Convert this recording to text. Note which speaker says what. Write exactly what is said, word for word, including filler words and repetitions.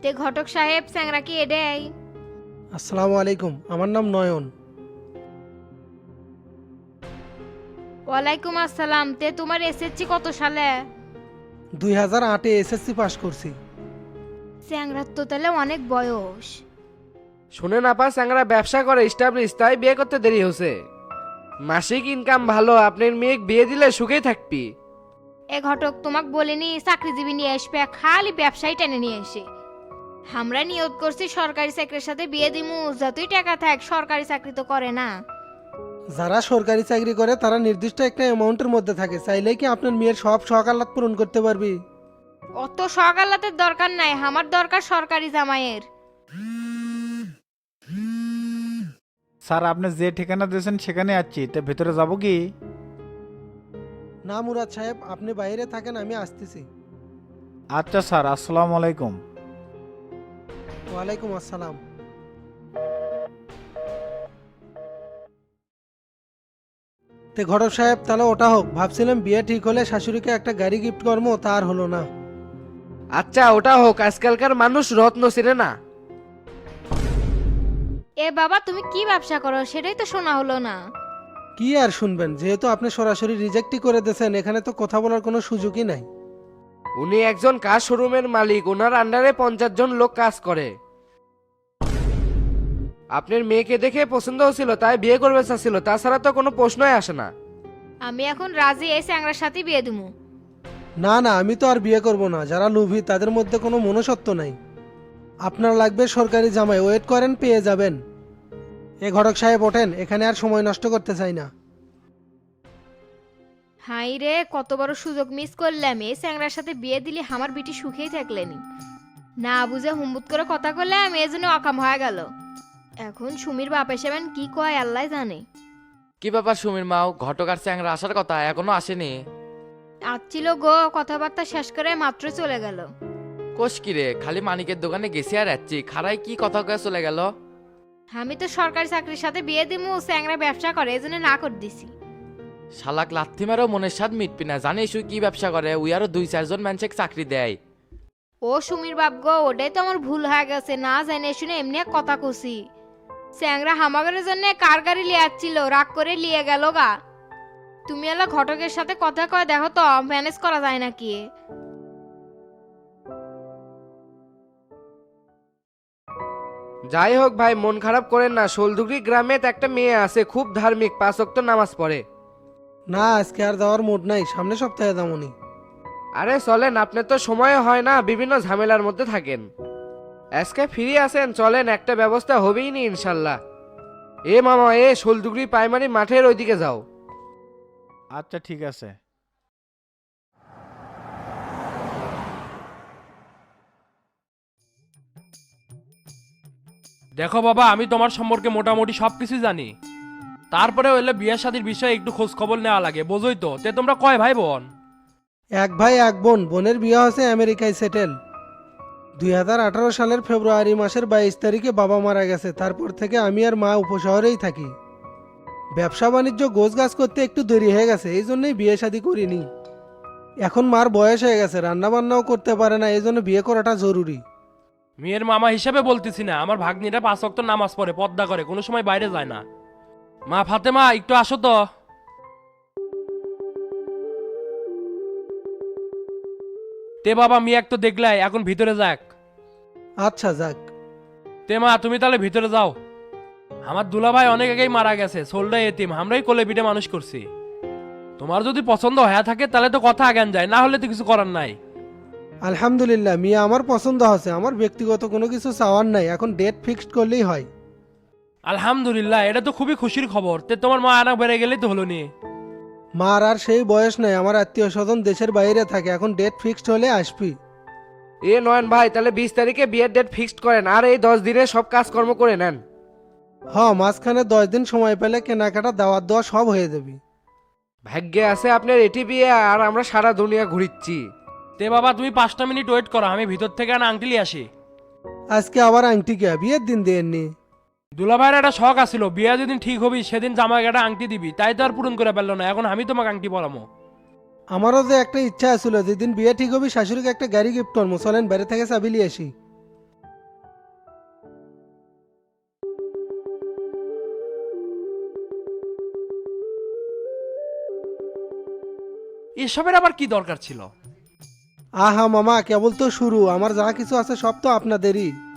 Speaker 1: তে ঘটক সাহেব স্যাংরা কি এডেই?
Speaker 2: আসসালামু আলাইকুম, আমার নাম নয়ন।
Speaker 1: ওয়ালাইকুম আসসালাম। তে তোমার এসএসসি কত সালে?
Speaker 2: দুই হাজার আটে এসএসসি পাশ করছি।
Speaker 1: স্যাংরার তো তাহলে অনেক বয়স।
Speaker 3: শুনেন আপা, স্যাংরা ব্যবসা করে স্টাবলিশ, তাই বিয়ে করতে দেরি হচ্ছে। মাসিক ইনকাম ভালো, আপনার মেয়ে বিয়ে দিলে সুখেই থাকবি।
Speaker 1: এ ঘটক তোমাক বলিনি চাকরিজীবী নিয়ে আসবে, খালি ব্যবসায়ী টেনে নিয়ে এসে। আমরা নিয়োগ করছি সরকারি চাকরির সাথে বিয়ে দিমু, যতই টাকা থাক সরকারি চাকরি তো করে না।
Speaker 2: যারা সরকারি চাকরি করে তারা নির্দিষ্ট একটা অ্যামাউন্টের মধ্যে থাকে, চাইলেই কি আপনার মেয়ের সব শখ আহ্লাদ পূরণ করতে পারবি?
Speaker 1: অত সকালাতের দরকার নাই, আমার দরকার সরকারি জামাইয়ের।
Speaker 4: স্যার আপনি যে ঠিকানা দিয়েছেন সেখানে আছি, তা ভেতরে যাব কি?
Speaker 2: না মুরাদ সাহেব, আপনি বাইরে থাকেন, আমি আসতেছি।
Speaker 4: আচ্ছা স্যার, আসসালামু আলাইকুম।
Speaker 2: ওয়ালাইকুম আসসালাম। তে ঘটক সাহেব, তাহলে ওটা হোক। ভাবছিলাম বিয়ে ঠিক হলে শাশুড়িকে একটা গাড়ি গিফট করবো, তার হলো না।
Speaker 3: আচ্ছা ওটা হোক, আজকালকার মানুষ রত্ন চেনে না।
Speaker 1: এ বাবা, তুমি কি ব্যবসা করো সেটাই তো শোনা হলো না।
Speaker 2: কি আর শুনবেন, যেহেতু আপনি সরাসরি রিজেক্টই করে দিয়েছেন, এখানে তো কথা বলার কোনো সুযোগই নাই।
Speaker 3: উনি একজন কার শোরুমের মালিক, ওনার আন্ডারে পঞ্চাশ জন লোক কাজ করে। আপনার মেয়েকে দেখে পছন্দ হচ্ছিল, তাই বিয়ে করবে চাচ্ছিল, তাছাড়া তো কোনো প্রশ্নই আসে না।
Speaker 1: আমি এখন রাজি এই স্যাংরার সাথে বিয়ে দিমু।
Speaker 2: না না, আমি তো আর বিয়ে করব না। যারা লোভী তাদের মধ্যে কোনো মনুষ্যত্ব নাই। আপনার লাগবে সরকারি জামাই, ওয়েট করেন, পেয়ে যাবেন। এ ঘটক সাহেব ওঠেন, এখানে আর সময় নষ্ট করতে চাই না।
Speaker 1: হাই রে, কত বড় সুযোগ মিস করলাম। এই স্যাংরার সাথে বিয়ে দিলে আমার বিটি সুখেই থাকলেনি। না বুঝে হুম্বুত করে কথা করলাম, এই জন্য অকাম হয়ে গেল। এখন সুমির বাপ এসেবেন কি কয় আল্লাহ জানে।
Speaker 5: কি ব্যাপার সুমির মাও, ঘটক আর চ্যাংরা আসার কথা এখনো আসেনি?
Speaker 1: আসছিল গো, কথাবার্তা শেষ করে মাত্র চলে গেল।
Speaker 5: কোষ কি রে, খালি মানিকের দোকানে গেছি আর যাচ্ছি, খারাই কি কথা কয়ে চলে গেল?
Speaker 1: আমি তো সরকারি চাকরির সাথে বিয়ে দিমু, স্যাংরা ব্যবসা করে এই জন্য না করে দিছি।
Speaker 5: শালাক লাথি মারও মনের স্বাদ মিটবি না, জানিস ওই কি ব্যবসা করে? ওই আরো দুই চারজন মানুষকে চাকরি দেয়।
Speaker 1: ও সুমির বাপ গো, ওটাই তো আমার ভুল হয়ে গেছে, না জানে শুনে এমনি এক কথা কছি। স্যাংরা হামাগরের জন্য কার গাড়ি লিয়ে আসছিল, রাগ করে লিয়ে গেল গা। তুমি এলা ঘটকের সাথে কথা কয় দেখো তো, ম্যানেজ করা যায় নাকি।
Speaker 3: যাই হোক ভাই, মন খারাপ করেন না। শোলদুগরি গ্রামে তো একটা মেয়ে আছে, খুব ধার্মিক, পাঁচ ওয়াক্ত নামাজ পড়ে।
Speaker 2: না, আজকে আর যাওয়ার মুড নাই, সামনে সপ্তাহে দামনি।
Speaker 3: আরে চলেন, আপনার তো সময় হয় না, বিভিন্ন ঝামেলার মধ্যে থাকেন। আজকে ফ্রি আছেন, চলেন, একটা ব্যবস্থা হবেই নি ইনশাল্লাহ। এ মামা, এ শোলদুগরি প্রাইমারি মাঠের ওইদিকে যাও।
Speaker 4: আচ্ছা ঠিক আছে।
Speaker 6: দেখো বাবা, আমি তোমার সম্পর্কে মোটামুটি সব কিছু জানি। তারপরে হইলে বিয়ে শাদীর বিষয়ে একটু খোঁজ খবর নেওয়া লাগে, বোঝোই তো। তে তোমরা কয় ভাই বোন?
Speaker 2: এক ভাই এক বোন। বোনের বিয়ে হচ্ছে আমেরিকায় সেটেল। দুই হাজার আঠারো সালের ফেব্রুয়ারি মাসের বাইশ তারিখে বাবা মারা গেছে। তারপর থেকে আমি আর মা উপশহরেই থাকি। ব্যবসা বাণিজ্য গোছ গাছ করতে একটু দেরি হয়ে গেছে, এই জন্যই বিয়ে শাদী করিনি। এখন মার বয়স হয়ে গেছে, রান্না বান্নাও করতে পারে না, এই জন্য বিয়ে করাটা জরুরি।
Speaker 6: মেয়ের মামা হিসাবে বলতেছি না, আমার ভাগ্নিরা পাঁচ ওয়াক্ত নামাজ পড়ে, পর্দা করে, কোনো সময় বাইরে যায় না। মা ফাতেমা, একটু আসো তো। তে বাবা, মেয়ে এক তো দেখলাই, এখন ভিতরে যাক।
Speaker 2: আচ্ছা যাক।
Speaker 6: তে মা, তুমি তাহলে ভিতরে যাও। আমার দুলাভাই অনেক আগেই মারা গেছে, সোলডা এতিম, আমরাই কোলে পিঠে মানুষ করছি। তোমার যদি পছন্দ হয়ে থাকে তাহলে তো কথা আগান যায়, না হলে তো কিছু করার নাই।
Speaker 2: আলহামদুলিল্লাহ, মিয়া আমার পছন্দ হচ্ছে। আমার ব্যক্তিগত কোনো কিছু চাওয়ার নাই, এখন ডেট ফিক্সড করলেই হয়।
Speaker 6: আলহামদুলিল্লাহ, এটা তো খুবই খুশির খবর। তে তোমার মা আনা বেড়ে গেলেই তো হলো নি।
Speaker 2: মার আর সেই বয়স নাই, আমার আত্মীয় স্বজন দেশের বাইরে থাকে, এখন ডেট ফিক্সড হলে আসবি।
Speaker 3: এ নয়ন ভাই, তাহলে বিশ তারিখে বিয়ের ডেট ফিক্সড করেন, আর এই দশ দিনে সব কাজকর্ম করে নেন।
Speaker 2: হ, মাঝখানে দশ দিন সময় পেলে কেনাকাটা দাওয়াত দেওয়া সব হয়ে যাবে।
Speaker 3: ভাগ্যে আছে আপনার এটি বিয়ে, আর আমরা সারা দুনিয়া ঘুরিচ্ছি।
Speaker 6: তে বাবা, তুমি পাঁচটা মিনিট ওয়েট করো, আমি ভিতর থেকে আনা আংটি লিয়ে আসি।
Speaker 2: আজকে আবার আংটি কে বিয়ের দিন দেননি?
Speaker 6: দুলাভাইয়ের একটা শখ আছিল, বিয়ে যেদিন ঠিক হবি সেদিন জামাই একটা আংটি দিবি, তাই তো আর পূরণ করে পারলো না। এখন আমি তোমাকে আংটি পরামো।
Speaker 2: আমারও যে একটা ইচ্ছা ছিল, যেদিন বিয়ে ঠিক হবে শাশুড়িকে একটা গাড়ি গিফট করবো। চলেন বাইরে থেকে চাবি নিয়ে আসি।
Speaker 6: এসবের আবার কি দরকার ছিল?
Speaker 2: আহা মামা, কেবল তো শুরু, আমার যা কিছু আছে সব তো আপনাদেরই।